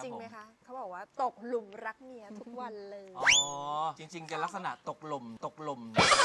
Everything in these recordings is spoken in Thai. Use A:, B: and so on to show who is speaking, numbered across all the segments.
A: จริงไหมคะเขาบอกว่าตกหลุมรักเมียทุกวันเลย
B: อ๋อ จริงๆจะลักษณะตกหล่ม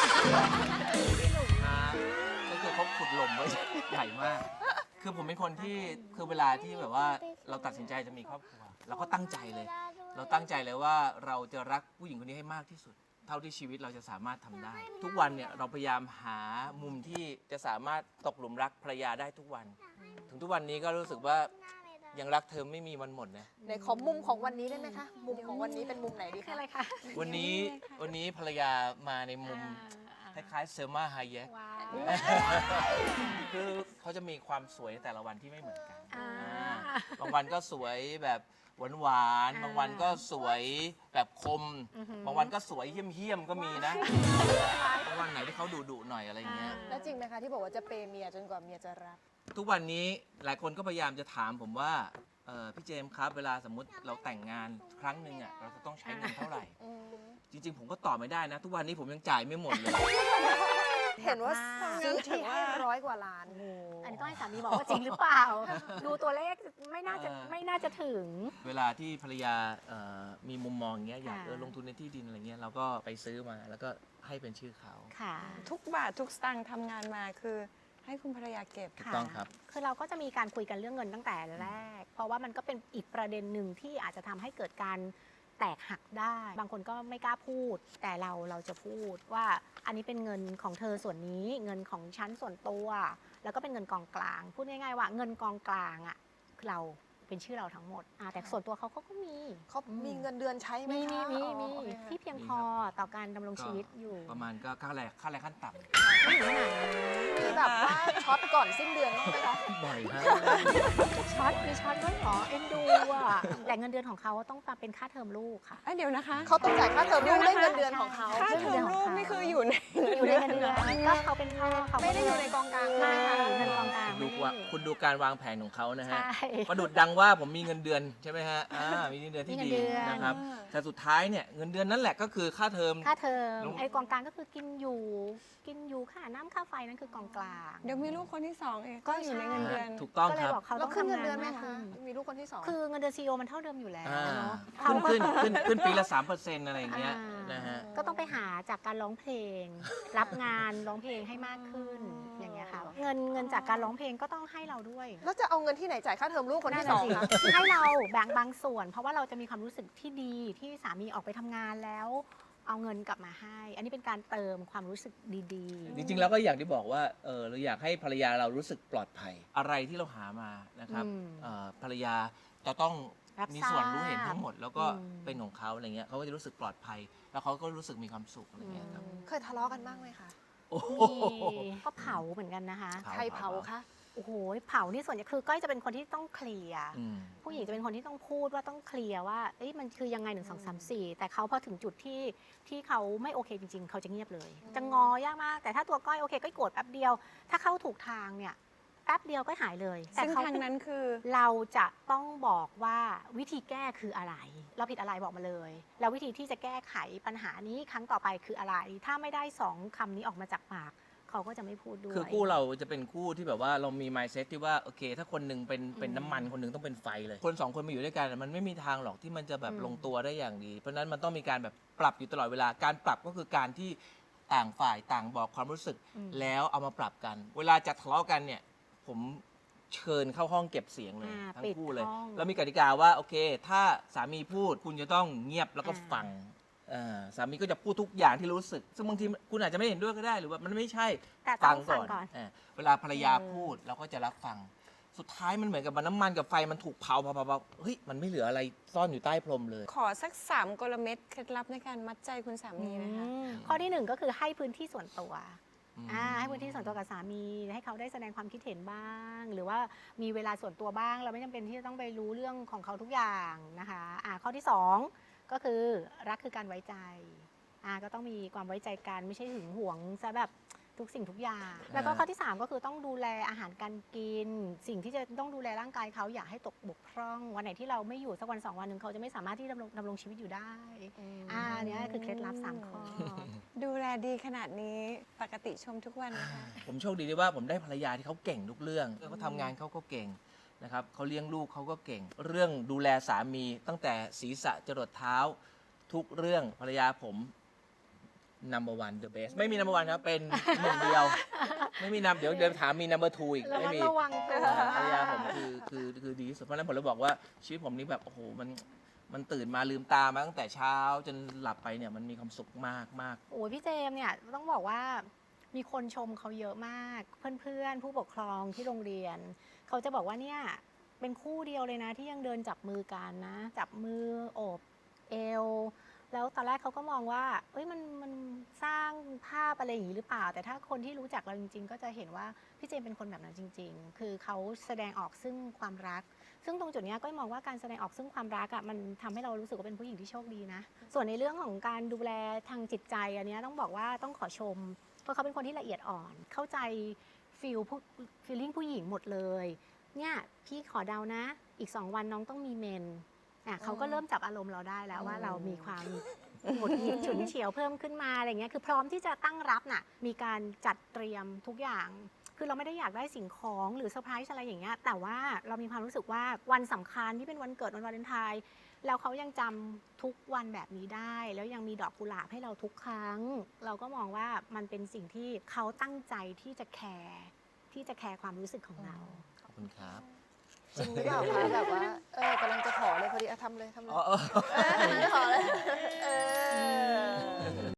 B: นะก็คือเขาขุดหล่มไว้ ใหญ่มาก คือผมเป็นคนที่คือเวลาที่แบบว่าเราตัดสินใจจะมีครอบครัวเราก็ตั้งใจเลย เราตั้งใจเลยว่าเราจะรักผู้หญิงคนนี้ให้มากที่สุด เท่าที่ชีวิตเราจะสามารถทำได้ ทุกวันเนี่ยเราพยายามหามุมที่จะสามารถตกหลุมรักภรรยาได้ทุกวัน ถึงทุกวันนี้ก็รู้สึกว่ายังรักเธอไม่มีวันหมดนะ
A: ในขอมุมของวันนี้ได้ไหมคะ มุมของวันนี้เป็นมุมไหนดีคะ
C: อะไรคะ
B: วันนี้ภรรยามาในมุมคล้ายๆเซลมาไฮแยก
C: ว้าว
B: คือเขาจะมีความสวยแต่ละวันที่ไม่เหมือนกัน
C: อ่า
B: บางวันก็สวยแบบหวานๆบางวันก็สวยแบบคม บางวันก็สวยเหี้ยมๆก็มีนะ บางวันไหนที่เขาดุๆหน่อยอะไรเงี้ย
A: แล้วจริงไหมคะที่บอกว่าจะเปย์เมียจนกว่าเมียจะรัก
B: ทุกวันนี้หลายคนก็พยายามจะถามผมว่าพี่เจมส์ครับเวลาสมมติเราแต่งงานครั้งหนึ่งอ่ะเราจะต้องใช้เงินเท่าไหร่ จริง ๆ ผมก็ตอบไม่ได้นะ ทุกวันนี้ผมยังจ่ายไม่หมดเลย
A: เห็นว่าซื้อที่ให้100 กว่าล้าน
C: อันนี้ต้องให้สามีบอกว่าจริงหรือเปล่า ดูตัวเลขไม่น่าจะถึง
B: เวลาที่ภรรยามีมุมมองอย่างเงี้ยอยาก
C: ค่ะ
B: ลงทุนในที่ดินอะไรเงี้ยเราก็ไปซื้อมาแล้วก็ให้เป็นชื่อเขา
C: ค่ะ
D: ทุกบาททุกสตางค์ทำงานมาคือให้คุณภรรยาเก็บ
B: ถูกต้องครับ
C: คือเราก็จะมีการคุยกันเรื่องเงินตั้งแต่แรก เพราะว่ามันก็เป็นอีกประเด็นหนึ่งที่อาจจะทำให้เกิดการแตกหักได้ บางคนก็ไม่กล้าพูด แต่เราจะพูดว่าอันนี้เป็นเงินของเธอส่วนนี้ เงินของฉันส่วนตัว แล้วก็เป็นเงินกองกลาง พูดง่ายๆว่าเงินกองกลางอ่ะคือเราเป็นชื่อเราทั้งหมดแต่ส่วนตัวเขาก็มี
A: เขามีเงินเดือนใช้ไหม
C: มี
A: คะ
C: มี
A: อ๋อ
C: มี
A: โอเคค่ะ
C: ที่เพียงพอต่อการดำรงชีวิตอยู่
B: ประมาณก็ค่าแรงขั้นต่
C: ไม่ถึงขนาดนั้น
A: มีแบบว่าช็อตก่อนสิ้นเดือนบ้างไหมคะ
B: ำบ่อยฮะ
C: ช็อตมีช็อตด้วยเหรอเอ็นดูอ่ะแต่เงินเดือนของเขาต้องมาเป็นค่าเทอมลูกค่ะ
D: เดี๋ยวนะคะ
A: เขาต้องจ่ายค่าเทอมลูกด้วยเงินเดือนของเขา
D: ค่าเทอมลูกนี่คืออยู่ใน
C: อยู่ในเงินเดือนก็เขาเป็นพ่อเขา
A: ไม่ได้อยู่ในกองกลาง
C: ไม่
A: ใช่ไหมคะ
C: เงินกองกลาง
B: ดูว่าคุณดูการวางแผนของเขานะฮะ
C: ใช่
B: ประดุดดังว่าผมมีเงินเดือนใช่ไหมฮะมีเงินเดือนที่
C: มี
B: ดี
C: เงินเดือน
B: นะครับ แต่สุดท้ายเนี่ยเงินเดือนนั่นแหละก็คือค่าเทอม
C: ค่าเทอม
B: ลูก
C: ไอ้กองกลางก็คือกินอยู่ค่าน้ำค่าไฟนั่นคือกองกลาง
D: เดี๋ยวมีลูกคนที่สองเองก็อยู่ในเงินเดือน
B: ถูกต้อง
C: ก็เล
B: ค
C: ย
B: รับ
C: บอกเขา
A: แล้
C: ต้
A: ว
C: อง
A: ขึ้นเงิน
C: ทำงาน
A: เดือนไหม
C: มาก
A: คะ
C: ขึ้น
A: มีลูกคนที่สอง
C: คือเงินเดือนซีโอมันเท่าเดิมอยู่แล้ว
B: อ่า
C: เนาะ
B: ขึ้นปีละ 3%อะไรอย่างเงี้ยนะฮะ
C: ก็ต้องไปหาจากการร้องเพลง รับงานร้องเพลงให้มากขึ้นอย่างเงี้ยค่ะเงินจากการร้องเพลงก็ต้องให้เราด้วย
A: แล้วจะเอาเงินที่ไหนจ่ายค่าเทอมลูกคนที่สองคะ
C: ให้เราแบ่งบางส่วน เพราะว่าเราจะมีความรู้สึกที่ดีที่สามีออกไปทำงานแล้ว เอาเงินกลับมาให้ อันนี้เป็นการเติมความรู้สึกดีๆ
B: จริงๆแล้วก็อย่างที่บอกว่าเราอยากให้ภรรยาเรารู้สึกปลอดภัย อะไรที่เราหามานะครับ
C: อืม
B: ภรรยาจะต้อง
C: รับ
B: มี
C: ทราบ
B: ส่วนรู้เห็นทั้งหมด แล้วก็
C: อืม
B: เป็นของเขาอะไรเงี้ยเขาก็จะรู้สึกปลอดภัย แล้วเขาก็รู้สึกมีความสุขอะไรเงี้ยครับ
A: เคยทะเลาะกันบ้างไหมคะ
B: โอ้โห
C: มีก็เผาเหมือนกันนะคะ
A: ใครเผาคะ
C: โอ้โหเผานี่ส่วนใหญ่คือก้อยจะเป็นคนที่ต้องเคลียร์
B: อืม
C: ผู้หญิงจะเป็นคนที่ต้องพูดว่าต้องเคลียร์ว่าเอ้ยมันคือยังไง1 2 3 4แต่เขาพอถึงจุดที่เขาไม่โอเคจริง ๆ เขาจะเงียบเลย จะงอยากมาก แต่ถ้าตัวก้อยโอเคก้อยโกรธแป๊บเดียว ถ้าเข้าถูกทางเนี่ยแป๊บเดียวก็หายเลยแต่
D: ซึ่ง
C: เขา
D: ทางนั้นคือ
C: เราจะต้องบอกว่าวิธีแก้คืออะไร เราผิดอะไรบอกมาเลย แล้ววิธีที่จะแก้ไขปัญหานี้ครั้งต่อไปคืออะไร ถ้าไม่ได้2คำนี้ออกมาจากปากเขาก็จะไม่พูดด้วย
B: คือคู่เราจะเป็นคู่ที่แบบว่าเรามี mindset ที่ว่าโอเค ถ้าคนหนึ่งเป็นน้ำมันคนหนึ่งต้องเป็นไฟเลย คนสองคนมาอยู่ด้วยกันมันไม่มีทางหรอกที่มันจะแบบลงตัวได้อย่างดี เพราะฉะนั้นมันต้องมีการแบบปรับอยู่ตลอดเวลาการปรับก็คือการที่ต่างฝ่ายต่างบอกความรู้สึก แล้วเอามาปรับกัน เวลาจะทะเลาะกันเนี่ยผมเชิญเข้าห้องเก็บเสียงเลยทั้งคู่เลย แล้วมีกติกาว่าโอเค ถ้าสามีพูดคุณจะต้องเงียบแล้วก็ฟังสามีก็จะพูดทุกอย่างที่รู้สึก ซึ่งบางทีคุณอาจจะไม่เห็นด้วยก็ได้หรือว่ามันไม่ใช่
C: แต่ต้องฟังก่อน
B: เวลาภรรยาพูดเราก็จะรับฟัง สุดท้ายมันเหมือนกับน้ำมันกับไฟมันถูกเผาเฮ้ยมันไม่เหลืออะไรซ่อนอยู่ใต้พรมเลย
D: ขอสัก3 กลเม็ดเคล็ดลับในการมัดใจคุณสามีนะคะ
C: ข้อที่ 1 ก็คือให้พื้นที่ส่วนตัว
B: อืม
C: ให้พื้นที่ส่วนตัวกับสามีให้เขาได้แสดงความคิดเห็นบ้าง หรือว่ามีเวลาส่วนตัวบ้าง เราไม่จำเป็นที่จะต้องไปรู้เรื่องของเขาทุกอย่างนะคะข้อที่ 2 ก็คือรักคือการไว้ใจก็ต้องมีความไว้ใจกันไม่ใช่หึงหวงซะแบบทุกสิ่งทุกอย่าง แล้วก็ข้อที่ 3 ก็คือต้องดูแลอาหารการกิน สิ่งที่จะต้องดูแลร่างกายเขาอย่าให้ตกบกพร่องวันไหนที่เราไม่อยู่สักวัน2 วันหนึ่งเขาจะไม่สามารถที่ดำรงชีวิตอยู่ได้เนี่ยคือเคล็ดลับ3 ข้อ
D: ดูแลดีขนาดนี้ปกติชมทุกวันนะคะ
B: ผมโชคดีที่ว่าผมได้ภรรยาที่เขาเก่งทุกเรื่องเขาทำงานเขาก็เก่งนะครับเขาเลี้ยงลูกเขาก็เก่ง เรื่องดูแลสามีตั้งแต่ศีรษะจรดเท้า ทุกเรื่องภรรยาผม number one the best ไม่มี number one ครับ เป็นหนึ่งเดียว ไม่มีเดี๋ยวถามมี number two อีก
C: ระ
B: ไม่
C: มัด
B: มี
C: ระวังตัว
B: ภรรยาผมคือดีที่สุดเพราะฉะนั้นผมเลยบอกว่าชีวิตผมนี่แบบโอ้โหมันตื่นมาลืมตามาตั้งแต่เช้าจนหลับไปเนี่ยมันมีความสุขมากมาก
C: โอ้ยพี่เจมส์เนี่ยต้องบอกว่ามีคนชมเขาเยอะมาก เพื่อนๆ ผู้ปกครองที่โรงเรียน เขาจะบอกว่าเนี่ยเป็นคู่เดียวเลยนะที่ยังเดินจับมือกันนะ จับมือโอบเอว แล้วตอนแรกเขาก็มองว่าเอ้ยมันสร้างภาพอะไรอย่างนี้หรือเปล่า แต่ถ้าคนที่รู้จักเราจริงๆ ก็จะเห็นว่าพี่เจมส์เป็นคนแบบนั้นจริง ๆ คือเขาแสดงออกซึ่งความรัก ซึ่งตรงจุดเนี้ยก็มองว่าการแสดงออกซึ่งความรักอ่ะมันทำให้เรารู้สึกว่าเป็นผู้หญิงที่โชคดีนะ ส่วนในเรื่องของการดูแลทางจิตใจอันเนี้ยต้องบอกว่าต้องขอชม เพราะเขาเป็นคนที่ละเอียดอ่อน เข้าใจฟีลลิ่งผู้หญิงหมดเลย เนี่ยพี่ขอเดานะ อีก 2 วันน้องต้องมีเมนเขาก็เริ่มจับอารมณ์เราได้แล้วว่าเรามีความหงุดหงิดฉุนเฉียวเพิ่มขึ้นมาอะไรเงี้ยคือพร้อมที่จะตั้งรับน่ะมีการจัดเตรียมทุกอย่าง คือเราไม่ได้อยากได้สิ่งของหรือเซอร์ไพรส์อะไรอย่างเงี้ยแต่ว่าเรามีความรู้สึกว่าวันสำคัญที่เป็นวันเกิดวันวาเลนไทน์แล้วเขายังจำทุกวันแบบนี้ได้ แล้วยังมีดอกกุหลาบให้เราทุกครั้ง เราก็มองว่ามันเป็นสิ่งที่เขาตั้งใจที่จะแคร์ความรู้สึกของเรา
B: ขอบคุณครับ
A: จริงหรือเปล่าคะแบบว่ากำลังจะขอเลยพอดีทำเลย
B: อ๋อ
A: กำลังจะขอเลย